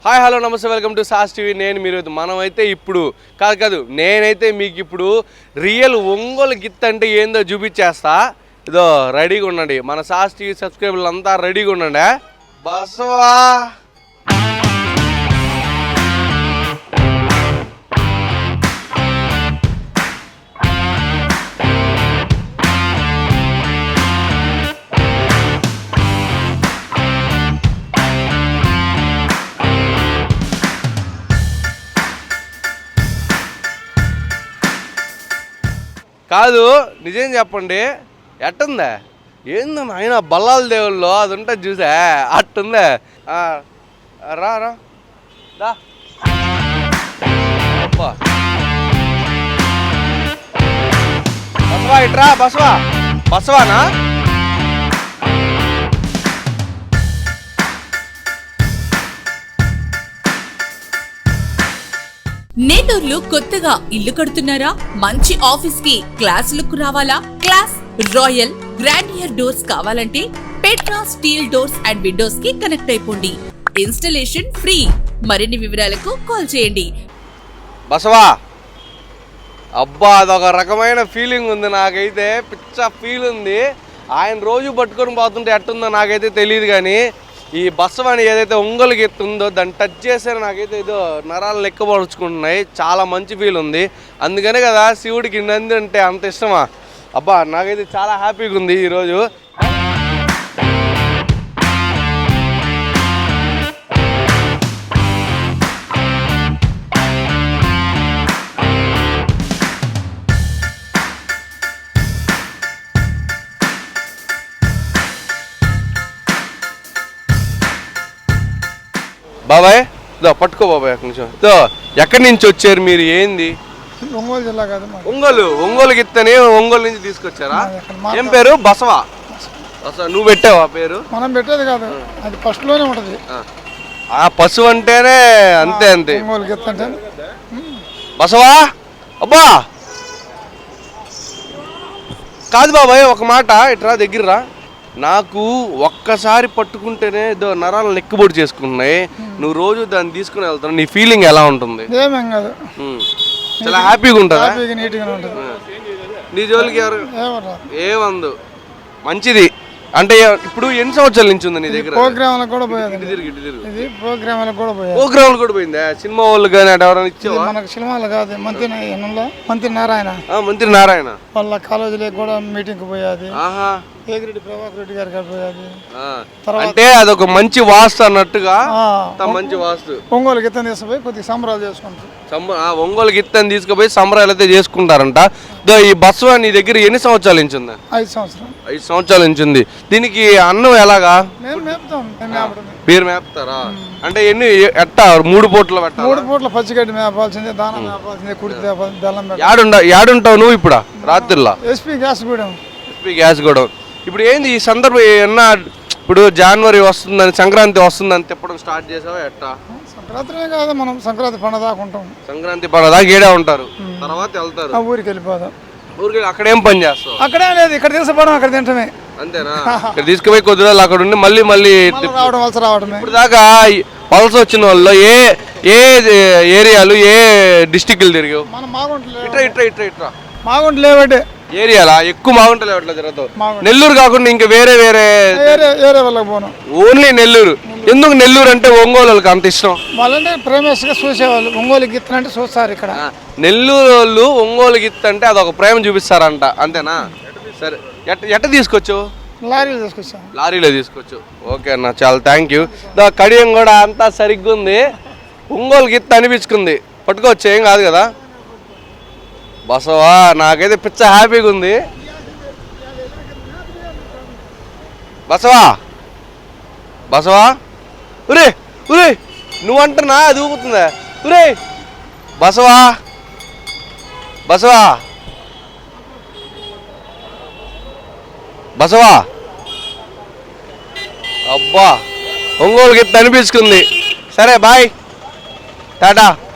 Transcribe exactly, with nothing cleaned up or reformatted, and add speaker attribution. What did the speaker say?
Speaker 1: Hi hello నమస్తే welcome to సాస్ TV. నేను మీరు మనమైతే ఇప్పుడు కాదు కాదు నేనైతే మీకు ఇప్పుడు రియల్ ఒంగోలు గిత్త అంటే ఏందో చూపించేస్తా. ఇదో రెడీగా ఉండండి, మన సాస్ టీవీ సబ్స్క్రైబర్లు అంతా రెడీగా ఉండండి. బసవా కాదు, నిజం చెప్పండి, ఎట్టుందా? ఏందో ఆయన బల్లాల దేవుల్లో అది ఉంటుంది చూసా, అట్టుందా? రా రా రా బసవా, ఇట్రా బసవా. బసవానా?
Speaker 2: నేటూర్లు కొత్తగా ఇల్లు కడుతున్నారా? మంచి ఆఫీస్ కి క్లాస్ లుక్ రావాలా? క్లాస్ రాయల్ గ్రాండియర్ డోర్స్ కావాలంటే Petra steel doors and windows కి కనెక్ట్ అయిపోండి. Installation free. మరిన్ని వివరాలకు కాల్ చేయండి.
Speaker 1: బసవా, అబ్బా అదొక రకమైన ఫీలింగ్ ఉంది నాకైతే, పిచ్చ ఫీల్ ఉంది. ఆయన రోజు పట్టుకొని పోతుంటే ఎట్టుందో నాకైతే తెలియదు, కానీ ఈ బసవాని ఏదైతే ఒంగోలు గిత్త ఉందో దాన్ని టచ్ చేస్తే నాకైతే ఏదో నరాలు లెక్కపరుచుకుంటున్నాయి. చాలా మంచి ఫీల్ ఉంది. అందుకనే కదా శివుడికి నంది అంటే అంత ఇష్టమా. అబ్బా నాకైతే చాలా హ్యాపీగా ఉంది ఈరోజు. బాబాయ్ ఇదో పట్టుకో బాబాయ్, ఒక నిమిషం. ఇదో ఎక్కడి నుంచి వచ్చారు మీరు? ఏంది?
Speaker 3: ఒంగోలు జిల్లా కాదు,
Speaker 1: ఒంగోలు. ఒంగోలు గిత్తని ఒంగోలు నుంచి తీసుకొచ్చారా? ఏం పేరు? బసవా. బసవా నువ్వు పెట్టావా పేరు?
Speaker 3: మనం పెట్టేది కాదు, అది ఫస్ట్ లోనే ఉంటది.
Speaker 1: ఆ పశువు అంటేనే అంతే అంతే.
Speaker 3: ఒంగోలు గిత్త అంటే
Speaker 1: బసవా. అబ్బా కాదు బాబాయ్, ఒక మాట ఇట్రా దగ్గరరా. నాకు ఒక్కసారి పట్టుకుంటేనే ఏదో నరాలు లెక్కబొడి చేసుకుంటున్నాయి. నువ్వు రోజు దాన్ని తీసుకుని వెళ్తావు, నీ ఫీలింగ్ ఎలా ఉంటుంది?
Speaker 3: ఏమేం కాదు,
Speaker 1: చాలా హ్యాపీగా ఉంటుందా?
Speaker 3: నీట్గా ఉంటుంది.
Speaker 1: నీ జోలికి ఎవరు ఏమందు? మంచిది. అంటే ఇప్పుడు ఎన్ని సంవత్సరాల నుంచి ఉంది నీ దగ్గర?
Speaker 3: ప్రోగ్రామ్ కూడా పోయేది, ఇది ప్రోగ్రామ్ కూడా పోయేది.
Speaker 1: ప్రోగ్రామ్ కూడా పోయిందా? సినిమా వాళ్ళు కానీ అటు ఎవరైనా ఇచ్చావా?
Speaker 3: మనకు సినిమాలు కాదు, మంత్రి మంత్రి నారాయణ
Speaker 1: మంత్రి నారాయణ
Speaker 3: వాళ్ళ కాలేజీలో కూడా మీటింగ్ పోయేది.
Speaker 1: ఆహా,
Speaker 3: ఏగిరెడ్డి ప్రభాకర్ రెడ్డి గారు పోయేది.
Speaker 1: అంటే అదొక మంచి వాస్తు అన్నట్టుగా, మంచి వాస్తు.
Speaker 3: ఒంగోలు గిత్తని తీసుకుపోయి కొద్దిగా సంబరాలు చేసుకుంటారు.
Speaker 1: ఒంగోలు గిత్తని తీసుకుపోయి సంబరాలు అయితే చేసుకుంటారంట. ఈ బస్సు నీ దగ్గర ఎన్ని సంవత్సరాల నుంచి ఉంది?
Speaker 3: ఐదు సంవత్సరాలు
Speaker 1: ఐదు సంవత్సరాల నుంచి ఉంది. దీనికి అన్నం ఎలాగా? మీరు మేపుతారా? అంటే ఎన్ని ఎట్టా మూడు పూటలు పెట్టాలి?
Speaker 3: మూడు పూట్ల పచ్చిగడ్డి మేపాల్సిందే, దానం మేపాల్సిందే, కుడితే బెల్లం.
Speaker 1: యాడుండ యాడుంటావు నువ్వు ఇప్పుడు రాత్రిలో?
Speaker 3: ఎస్పీ గ్యాస్ గూడెం.
Speaker 1: ఎస్పీ గ్యాస్ గూడెం. ఇప్పుడు ఏంది ఈ సందర్భం? ఏమన్నా ఇప్పుడు జనవరి వస్తుందని, సంక్రాంతి వస్తుందని తిప్పడం స్టార్ట్ చేసావా ఎట్టా?
Speaker 3: సంక్రాంతినే కాదు, మనం సంక్రాంతి పండుగ దాకా ఉంటాం.
Speaker 1: సంక్రాంతి పండుగ దాకా ఏడే ఉంటారు, తర్వాత వెళ్తారు
Speaker 3: ఊరికి వెళ్ళిపోదాం.
Speaker 1: ఊరికి అక్కడేం పని చేస్తావు?
Speaker 3: అక్కడే లేదు, ఇక్కడ తీసుకుపోవడం, అక్కడ తింటమే.
Speaker 1: అంతేనా? ఇక్కడ తీసుకుపోయి కొద్ది రోజులు అక్కడ ఉండి మళ్ళీ మళ్ళీ
Speaker 3: రావడం, వలస రావడమే.
Speaker 1: ఇప్పుడు దాకా వలస వచ్చిన వాళ్ళు ఏ ఏ ఏరియాలు, ఏ డిస్టిక్లు తిరిగావు?
Speaker 3: మనం మాగుంటలే
Speaker 1: ఇట్రా ఇట్రా ఇట్రా ఇట్రా
Speaker 3: మాగుంటలేవటే
Speaker 1: ఏరియాలా ఎక్కువ మాగుంటలే అట్లా తిరుగుతావు. నెల్లూరు కాకుండా ఇంకా వేరే వేరే
Speaker 3: వాళ్ళకి పోను,
Speaker 1: ఓన్లీ నెల్లూరు. ఎందుకు నెల్లూరు అంటే ఒంగోలు అంత ఇష్టం?
Speaker 3: వాళ్ళంటే ప్రేమస్గా చూసేవాళ్ళు. ఒంగోలు గిత్త అంటే చూస్తారు ఇక్కడ.
Speaker 1: నెల్లూరు వాళ్ళు ఒంగోలు గిత్త అంటే అదొక ప్రేమ చూపిస్తారంట, అంతేనా? సరే, ఎట్ట ఎట్ట తీసుకొచ్చు?
Speaker 3: లారీలో తీసుకొచ్చాం.
Speaker 1: లారీలో తీసుకొచ్చు. ఓకే అన్న, చాలా థ్యాంక్ యూ. దా కడియం కూడా అంతా సరిగ్గా ఉంది. ఒంగోలు గిత్త అనిపించుకుంది, పట్టుకోవచ్చు, ఏం కాదు కదా. బసవా నాకైతే పిచ్చ హ్యాపీగా ఉంది. బసవా బసవా ఉరే ఉరే నువ్వంటున్నా అది ఊగుతుందా? ఉరే బసవా బసవా బసవా అబ్బా ఒంగోలు గిత్త అనిపించుకుంది. సరే బాయ్, టాటా.